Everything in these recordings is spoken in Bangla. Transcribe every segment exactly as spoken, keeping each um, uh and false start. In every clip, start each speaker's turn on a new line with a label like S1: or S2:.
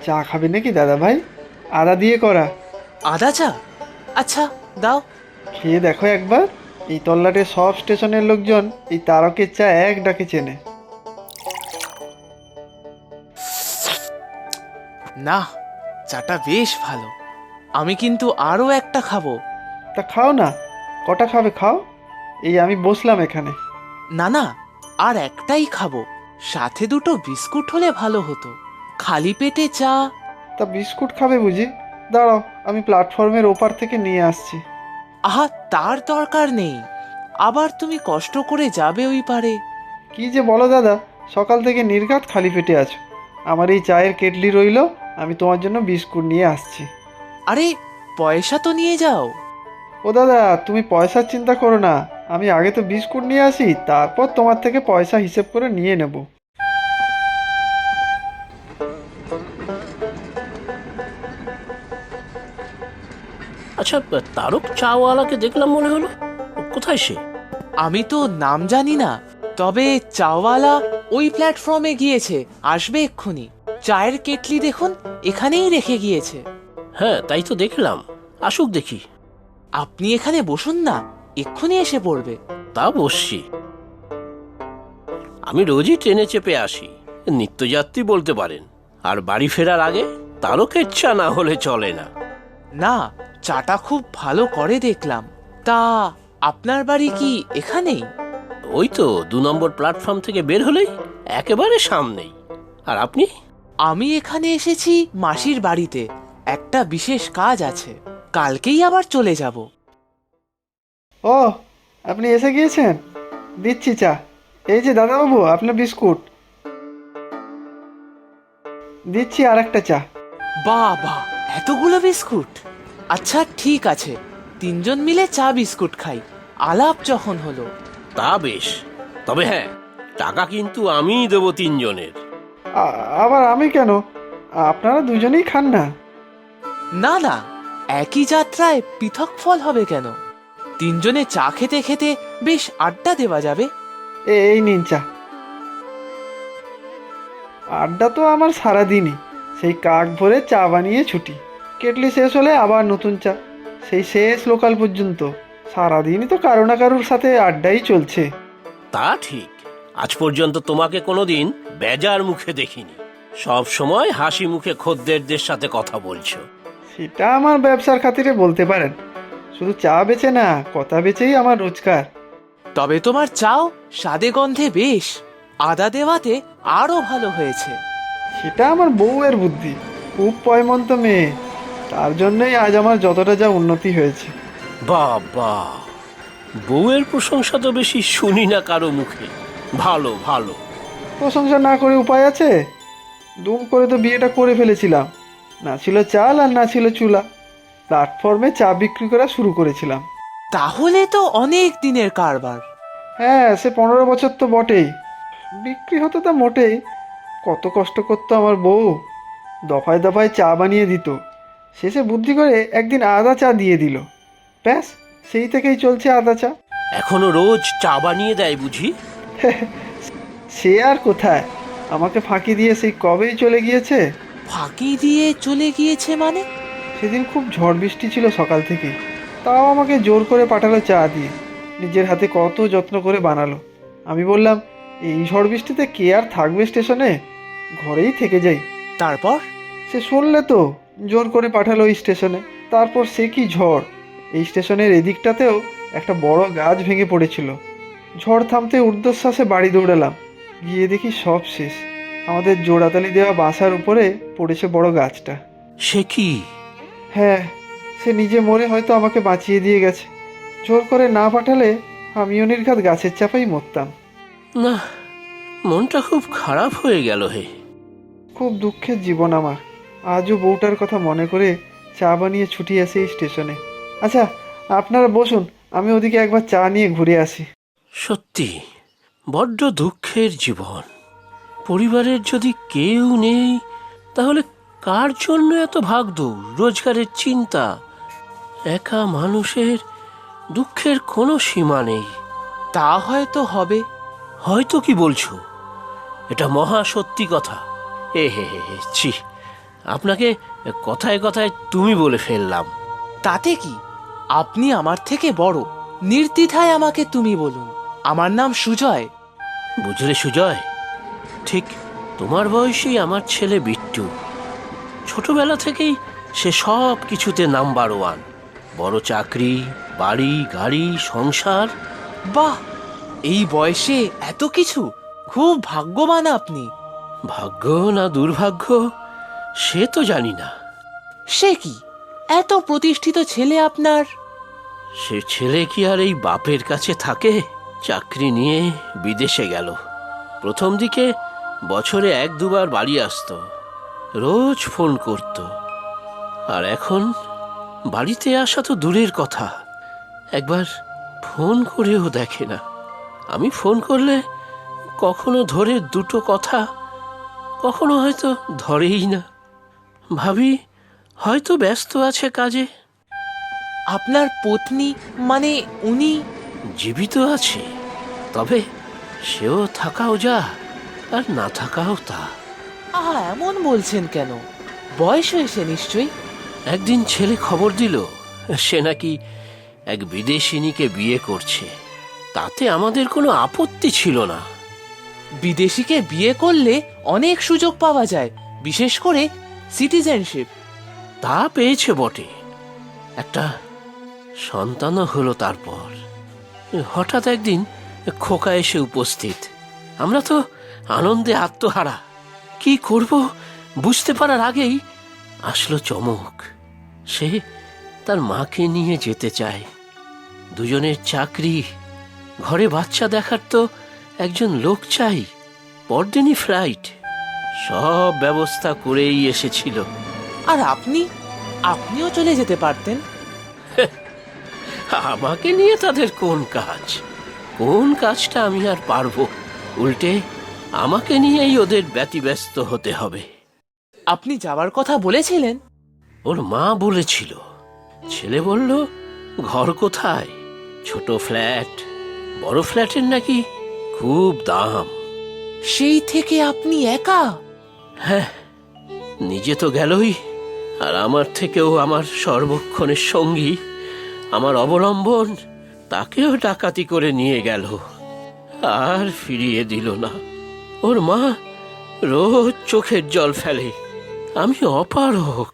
S1: চা খাবে নাকি দাদা ভাই? আদা দিয়ে করা।
S2: আদা চা? আচ্ছা, দাও।
S1: খেয়ে দেখো একবার। এই তল্লাটের সব স্টেশনের লোকজন এই তারকের চা এক ডাকে চেনে।
S2: না, চাটা বেশ ভালো। আমি কিন্তু আরও একটা খাবো।
S1: তা খাও না, কটা খাবে খাও। এই আমি বসলাম এখানে।
S2: না না, আর একটাই খাবো। সাথে দুটো বিস্কুট হলে ভালো হতো। খালি পেটে চা।
S1: তা বিস্কুট খাবে বুঝি? দাঁড়াও, আমি প্ল্যাটফর্মের ওপার থেকে নিয়ে আসছি।
S2: আহা, তার দরকার নেই। আবার তুমি কষ্ট করে যাবে ওই পারে।
S1: কি যে বলো দাদা, সকাল থেকে নির্ঘাত খালি পেটে আছো। আমার এই চায়ের কেটলি রইলো, আমি তোমার জন্য বিস্কুট নিয়ে আসছি।
S2: আরে, পয়সা তো নিয়ে যাও।
S1: ও দাদা, তুমি পয়সার চিন্তা করো না। আমি আগে তো বিস্কুট নিয়ে আসি, তারপর তোমার থেকে পয়সা হিসেব করে নিয়ে নেব।
S3: আচ্ছা, তারক চাওয়ালাকে দেখলাম মনে হলো। কোথায় সে?
S2: আমি তো নাম জানি না, তবে চাওয়ালা ওই প্ল্যাটফর্মে গিয়েছে, আসবে এক্ষুনি। চায়ের কেটলি দেখুন, এখানেই রেখে গিয়েছে।
S3: হ্যাঁ, তাই তো দেখলাম। আসুক দেখি।
S2: আপনি এখানে বসুন না, এক্ষুনি এসে পড়বে।
S3: তা বসছি। আমি রোজই ট্রেনে চেপে আসি, নিত্যযাত্রী বলতে পারেন। আর বাড়ি ফেরার আগে তারকের চা না হলে চলে না।
S2: না, চাটা খুব ভালো করে দেখলাম। তা আপনার বাড়ি কি এখানেই?
S3: ওই তো দু নম্বর প্ল্যাটফর্ম থেকে বের হলেই একেবারে সামনেই। আর আপনি?
S2: আমি এখানে এসেছি মাসির বাড়িতে, একটা বিশেষ কাজ আছে। কালকেই আবার চলে যাব।
S1: ও, আপনি এসে গিয়েছেন? দিচ্ছি চা। এই যে দাদাবাবু, আপনার বিস্কুট দিচ্ছি, আর একটা চা।
S2: বাহ বাহ, এতগুলো বিস্কুট! আচ্ছা ঠিক আছে, তিনজন মিলে চা বিস্কুট খাই, আলাপ যখন হলো।
S3: তা বেশ। তবে হ্যাঁ, টাকা কিন্তু আমিই দেবো তিনজনের।
S1: আ- আবার আমি কেন? আপনারা দুজনেই খান না।
S2: না না, একই যাত্রায় পৃথক ফল হবে কেন? তিনজনে চা খেতে খেতে বেশ আড্ডা দেওয়া যাবে।
S1: এ- এই নিন চা। আড্ডা তো আমার সারাদিনই। সেই কাক ভরে চা বানিয়ে ছুটি, কেটলি শেষ হলে আবার নতুন চা, সেই শেষ লোকাল পর্যন্ত। সারাদিনই তো কারো না কারোর সাথে আড্ডাই চলছে।
S3: তা ঠিক। আজ পর্যন্ত তোমাকে কোনোদিন বেজার মুখে দেখিনি। সব সময় হাসি মুখে খদ্দেরদের সাথে কথা বলছো।
S1: সেটা আমার ব্যবসার খাতিরে বলতে পারেন। শুধু চা বেচে না, কথা বেচেই আমার রোজগার।
S2: তবে তোমার চাও স্বাদে গন্ধে বেশ, আদা দেওয়াতে আরো ভালো হয়েছে।
S1: সেটা আমার বউয়ের বুদ্ধি, খুব পয়মন্ত মেয়ে। তার জন্যই আজ আমার যতটা যা উন্নতি হয়েছে।
S3: বাবা, বউয়ের প্রশংসা তো বেশি শুনি না কারো মুখে। ভালো ভালো।
S1: প্রশংসা না করে উপায় আছে? দুম করে তো বিয়েটা করে ফেলেছিলাম। না ছিল চাল আর না ছিল চুলা। প্ল্যাটফর্মে চা বিক্রি করা শুরু করেছিলাম।
S2: তাহলে তো অনেক দিনের কারবার।
S1: হ্যাঁ, সে পনেরো বছর তো বটেই। বিক্রি হতো তা মোটেই। কত কষ্ট করতো আমার বউ, দফায় দফায় চা বানিয়ে দিত। শেষে বুদ্ধি করে একদিন আদা চা দিয়ে দিল। ব্যাস, সেই থেকেই চলছে আদা চা।
S3: এখনো রোজ চা বানিয়ে দেয় বুঝি?
S1: সে আর কোথায়, আমাকে ফাঁকি দিয়ে সেই কবেই চলে গিয়েছে।
S2: ফাঁকি দিয়ে চলে গিয়েছে মানে?
S1: সেদিন খুব ঝড় বৃষ্টি ছিল সকাল থেকে, তাও আমাকে জোর করে পাঠালো চা দিয়ে। নিজের হাতে কত যত্ন করে বানালো। আমি বললাম, এই ঝড় বৃষ্টিতে কে আর থাকবে স্টেশনে, ঘরেই থেকে যাই।
S2: তারপর?
S1: সে শুনলে তো, জোর করে পাঠালো ওই স্টেশনে। তারপর সে কি ঝড়! এই স্টেশনের এদিকটাতেও একটা বড় গাছ ভেঙে পড়েছিল। ঝড় থামতে ঊর্ধ্বশ্বাসে বাড়ি দৌড়ালাম। গিয়ে দেখি সব শেষ। আমাদের জোড়াতালি দেওয়া বাসার উপরে পড়েছে বড় গাছটা।
S3: সে কি?
S1: হ্যাঁ, সে নিজে মরে হয়তো আমাকে বাঁচিয়ে দিয়ে গেছে। জোর করে না পাঠালে আমিও নির্ঘাত গাছের চাপাই মরতাম।
S3: না, মনটা খুব খারাপ হয়ে গেল হে।
S1: খুব দুঃখের জীবন আমার। আজও বউটার কথা মনে করে চা বানিয়ে ছুটি আসে এই স্টেশনে। আচ্ছা, আপনারা বসুন, আমি ওদিকে একবার চা নিয়ে ঘুরে আসি।
S3: সত্যি বড্ড দুঃখের জীবন। পরিবারের যদি কেউ নেই, তাহলে কার জন্য এত ভাগদৌড়, রোজগারের চিন্তা? একা মানুষের দুঃখের কোনো সীমা নেই।
S2: তা হয়তো হবে।
S3: হয়তো কি বলছো? এটা মহা সত্যি কথা। এ হে হে হে, ছি, আপনাকে কথায় কথায় তুমি বলে ফেললাম।
S2: তাতে কি, আপনি আমার থেকে বড়, নির্দ্বিধায় আমাকে তুমি বলুন। আমার নাম সুজয়।
S3: বুঝলে সুজয়, ঠিক তোমার বয়সী আমার ছেলে বিট্টু। ছোটবেলা থেকেই সে সব কিছুতে নাম্বার ওয়ান। বড় চাকরি, বাড়ি, গাড়ি, সংসার।
S2: বাহ, এই বয়সে এত কিছু! খুব ভাগ্যবান আপনি।
S3: ভাগ্য না দুর্ভাগ্য সে তো জানি না।
S2: সে কি, এত প্রতিষ্ঠিত ছেলে আপনার?
S3: সে ছেলে কি আর এই বাপের কাছে থাকে? চাকরি নিয়ে বিদেশে গেল। প্রথম দিকে বছরে এক দুবার বাড়ি আসতো, রোজ ফোন করত। আর এখন বাড়িতে আসা তো দূরের কথা, একবার ফোন করেও দেখে না। আমি ফোন করলে কখনো ধরে দুটো কথা, কখনো হয়তো ধরেই না। ভাবি হয়তো ব্যস্ত আছে কাজে।
S2: আপনার পত্নী, মানে উনি?
S3: জীবিত আছে, তবে সেও থাকাও যা আর না থাকাও তা।
S2: আহা, এমন বলছেন কেন? বয়স হয়েছে নিশ্চয়ই।
S3: একদিন ছেলে খবর দিল সে নাকি এক বিদেশিনীকে বিয়ে করছে। তাতে আমাদের কোনো আপত্তি ছিল না।
S2: বিদেশিকে বিয়ে করলে অনেক সুযোগ পাওয়া যায়, বিশেষ করে সিটিজেনশিপ।
S3: তা পেয়েছে বটে, একটা সন্তানও হলো। তারপর হঠাৎ একদিন খোকা এসে উপস্থিত। আমরা তো আনন্দে আত্মহারা। কি করব বুঝতে পারার আগেই আসলো চমক। সে তার মাকে নিয়ে যেতে চায়। দুজনের চাকরি, ঘরে বাচ্চা দেখার তো একজন লোক চাই। পরদিনই ফ্লাইট, সব ব্যবস্থা করেই এসেছিল।
S2: আর আপনি, আপনিও চলে যেতে পারতেন।
S3: আমাকে নিয়ে তাদের কোন কাজ? কোন কাজটা আমি আর পারবো? উল্টে আমাকে নিয়েই ওদের ব্যতিব্যস্ত হতে হবে।
S2: আপনি যাওয়ার কথা বলেছিলেন?
S3: ওর মা বলেছিল। ছেলে বলল, ঘর কোথায়? ছোট ফ্ল্যাট। বড় ফ্ল্যাটের নাকি খুব দাম।
S2: সেই থেকে আপনি একা?
S3: হ্যাঁ, নিজে তো গেলই, আর আমার থেকেও আমার সর্বক্ষণের সঙ্গী, আমার অবলম্বন, তাকেও ডাকাতি করে নিয়ে গেল, আর ফিরিয়ে দিল না। ওর মা রোজ চোখের জল ফেলে। আমি অপারক।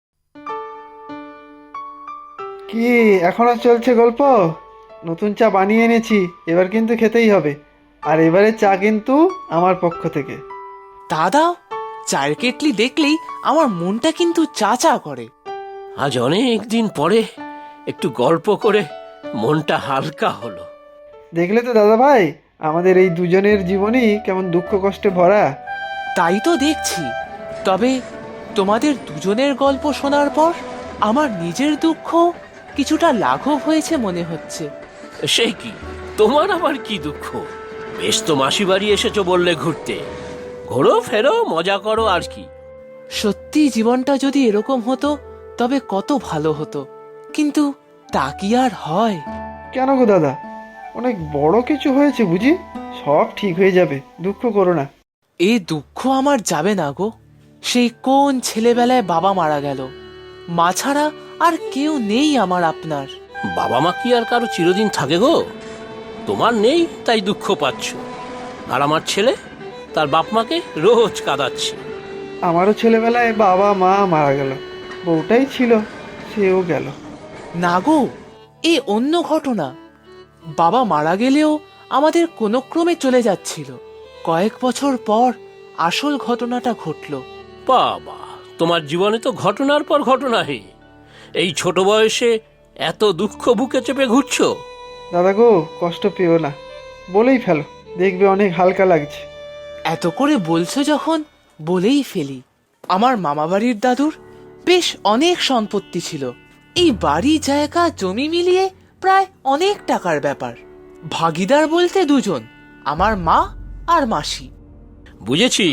S1: কি এখনো চলছে গল্প? নতুন চা বানিয়ে এনেছি, এবার কিন্তু খেতেই হবে। আর এবারে চা কিন্তু আমার পক্ষ থেকে।
S2: দাদা, চায়ের কেটলি দেখলেই আমার মনটা কিন্তু চা চা করে।
S3: আজ অনেক দিন পরে একটু গল্প করে মনটা হালকা হলো।
S1: দেখলে তো দাদা ভাই, আমাদের এই দুজনের জীবনই কেমন দুঃখ কষ্টে ভরা।
S2: তাই তো দেখছি। তবে তোমাদের দুজনের গল্প শোনার পর আমার নিজের দুঃখ কিছুটা লাঘব হয়েছে মনে হচ্ছে।
S3: সে কি, তোমার আবার কি দুঃখ? বেশ তো মাসি বাড়ি এসেছো বললে ঘুরতে। ঘোরো ফেরো, মজা করো, আর কি।
S2: সত্যি জীবনটা যদি এরকম হতো তবে কত ভালো হতো, কিন্তু তা কি আর হয়?
S1: কেন গো দাদা, অনেক বড় কিছু হয়েছে বুঝি? সব ঠিক হয়ে যাবে, দুঃখ করো না।
S2: এই দুঃখ আমার যাবে না গো। সেই কোন ছেলেবেলায় বাবা মারা গেল, মা ছাড়া আর কেউ নেই আমার আপনার।
S3: বাবা মা কি আর কারো চিরদিন থাকে গো? তোমার নেই তাই দুঃখ পাচ্ছ, আর আমার ছেলে তার বাপ মাকে রোজ কাঁদাচ্ছে।
S1: আমারও ছেলেবেলায় বাবা মা মারা গেল, বউটাই ছিল, সেও গেল।
S2: না গো, এ অন্য ঘটনা। বাবা মারা গেলেও আমাদের কোনো ক্রমে চলে যাচ্ছিল। কয়েক বছর পর আসল ঘটনাটা ঘটল।
S3: বাবা, তোমার জীবনে তো ঘটনার পর ঘটনা। হে, এই ছোট বয়সে এত দুঃখ বুকে চেপে ঘুরছো?
S1: দাদা গো, কষ্ট পেও না, বলেই ফেলো, দেখবে অনেক হালকা লাগছে।
S2: এত করে বলছো যখন, বলেই ফেলি। আমার মামাবাড়ির দাদুর বেশ অনেক সম্পত্তি ছিল। এই বাড়ি, জায়গা, জমি মিলিয়ে প্রায় অনেক টাকার ব্যাপার। ভাগিদার বলতে দুজন, আমার মা আর মাসি।
S3: বুঝেছি,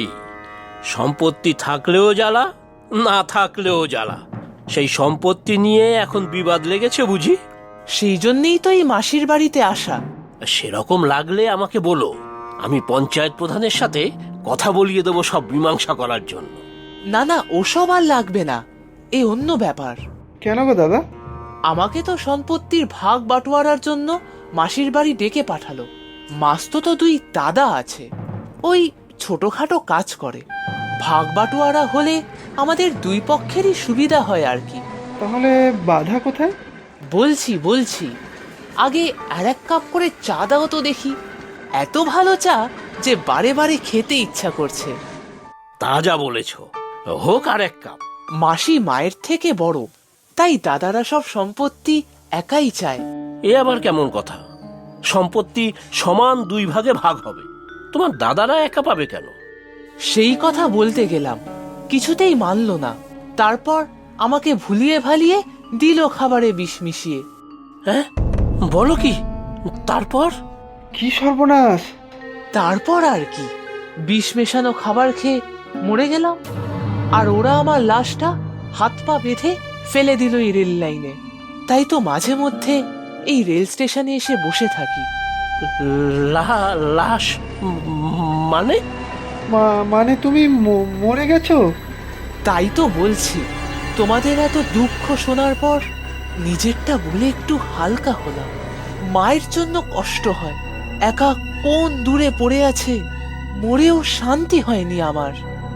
S3: সম্পত্তি থাকলেও জ্বালা, না থাকলেও জ্বালা। সেই সম্পত্তি নিয়ে এখন বিবাদ লেগেছে বুঝি?
S2: সেই জন্যেই তো এই মাসির বাড়িতে আসা।
S3: সেরকম লাগলে আমাকে বলো, আমি পঞ্চায়েত প্রধানের সাথে কথা বলিয়ে দেবো সব মীমাংসা করার জন্য।
S2: না না, ওসব আর লাগবে না, এ অন্য ব্যাপার।
S1: কেন গো দাদা?
S2: আমাকে তো সম্পত্তির ভাগ বাটোয়ারার জন্য মাসির বাড়ি ডেকে পাঠালো। মাস্তো তো দুই দাদা আছে, ওই ছোটখাটো কাজ করে। ভাগ বাটোয়ারা হলে আমাদের দুই পক্ষেরই সুবিধা হয় আর কি।
S1: তাহলে বাধা কোথায়?
S2: বলছি বলছি আগে আর এক কাপ করে চা দাও তো দেখি। এত ভালো চা যে বারে বারে খেতে ইচ্ছা করছে।
S3: তা যা বলেছ, হোক আর এক কাপ।
S2: মাসি মায়ের থেকে বড়, তাই দাদারা সব সম্পত্তি একাই চায়।
S3: এ আবার কেমন কথা? সম্পত্তি সমান দুই ভাগে ভাগ হবে, তোমার দাদারা একা পাবে কেন?
S2: সেই কথা বলতে গেলাম, কিছুতেই মানল না। তারপর আমাকে ভুলিয়ে ভালিয়ে দিল খাবারে বিষ মিশিয়ে।
S3: হ্যাঁ, বলো কি? তারপর?
S1: কি সর্বনাশ!
S2: তারপর আর কি, বিষ মেশানো খাবার খেয়ে মরে গেলাম। আর ওরা আমার লাশটা হাত পা বেঁধে ফেলে দিল এই রেল লাইনে। তাই তো মাঝে মধ্যে এই রেল স্টেশনে এসে বসে থাকি।
S3: লা- লাশ মানে?
S1: মা- মানে তুমি ম- মরে গেছো?
S2: তাই তো বলছি, তোমাদের এত দুঃখ শোনার পর নিজেরটা বলে একটু হালকা হলাম। মায়ের জন্য কষ্ট হয়, একা কোন দূরে পড়ে আছে, মরেও শান্তি হয়নি আমার।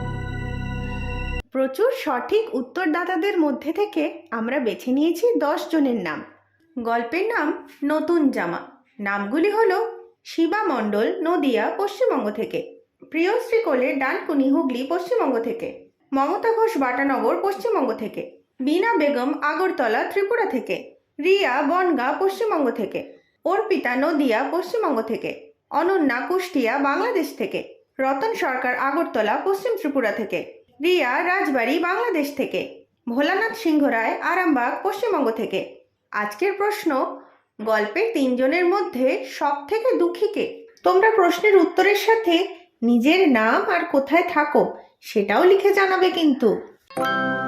S4: প্রচুর সঠিক উত্তরদাতাদের মধ্যে থেকে আমরা বেছে নিয়েছি দশ জনের নাম। গল্পের নাম নতুন জামা। নামগুলি হলো শিবা মণ্ডল, নদিয়া, পশ্চিমবঙ্গ থেকে; প্রিয়শ্রী কোলে, ডানকুনি, হুগলি, পশ্চিমবঙ্গ থেকে; মমতা ঘোষ, বাটানগর, পশ্চিমবঙ্গ থেকে; বীণা বেগম, আগরতলা, ত্রিপুরা থেকে; রিয়া, বনগাঁ, পশ্চিমবঙ্গ থেকে; অর্পিতা, নদিয়া, পশ্চিমবঙ্গ থেকে; অনন্যা, কুষ্টিয়া, বাংলাদেশ থেকে; রতন সরকার, আগরতলা, পশ্চিম ত্রিপুরা থেকে; রিয়া, রাজবাড়ী, বাংলাদেশ থেকে; ভোলানাথ সিংহ রায়, আরামবাগ, পশ্চিমবঙ্গ থেকে। আজকের প্রশ্ন, গল্পের তিনজনের মধ্যে সব থেকে দুঃখী কে? তোমরা প্রশ্নের উত্তরের সাথে নিজের নাম আর কোথায় থাকো সেটাও লিখে জানাবে কিন্তু।